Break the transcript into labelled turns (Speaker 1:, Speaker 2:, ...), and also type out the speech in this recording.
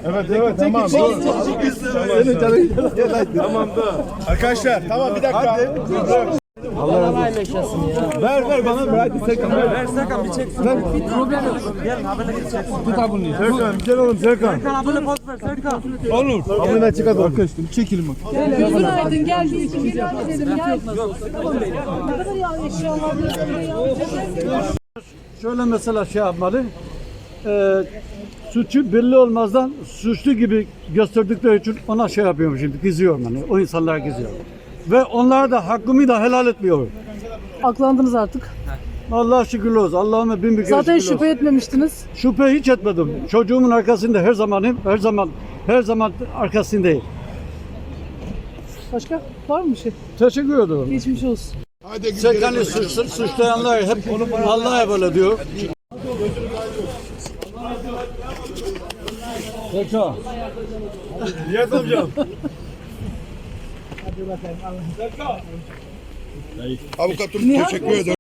Speaker 1: Evet tamam. Tamam da. Arkadaşlar tamam bir dakika.
Speaker 2: Allah yaşasın ya.
Speaker 1: Ver bana ver. Serkan ver.
Speaker 2: Serkan bir çek. Problem yok. Gel haberle geçeceksin. Tut
Speaker 1: Serkan gel oğlum Serkan.
Speaker 2: Serkan haberle poz ver Serkan.
Speaker 1: Olur. Abone çıkar arkadaşlar. Çekelim bak.
Speaker 3: Gözün aydın gel bir iki bir an edelim gel. Ne kadar ya eşyalar ya.
Speaker 4: Şöyle mesela şey yapmalı. Suçu belli olmazdan suçlu gibi gösterdikleri için ona şey yapıyorum şimdi gizliyorum yani. O insanlara gizliyorum. Ve onlara da hakkımı da helal etmiyorum.
Speaker 3: Aklandınız artık.
Speaker 4: Allah'a şükürler olsun. Allah'ıma bin bir kere
Speaker 3: Zaten
Speaker 4: şükürler olsun.
Speaker 3: şüphe etmemiştiniz.
Speaker 4: Şüphe hiç etmedim. Çocuğumun arkasında her zaman arkasındayım.
Speaker 3: Başka var mı bir şey?
Speaker 4: Teşekkür ederim.
Speaker 3: Geçmiş olsun.
Speaker 4: Serkan'ı suçlayanlar hep Allah'a böyle diyor. Serkan.
Speaker 1: Nihat amcam.
Speaker 5: Avukatım teşekkür ederim.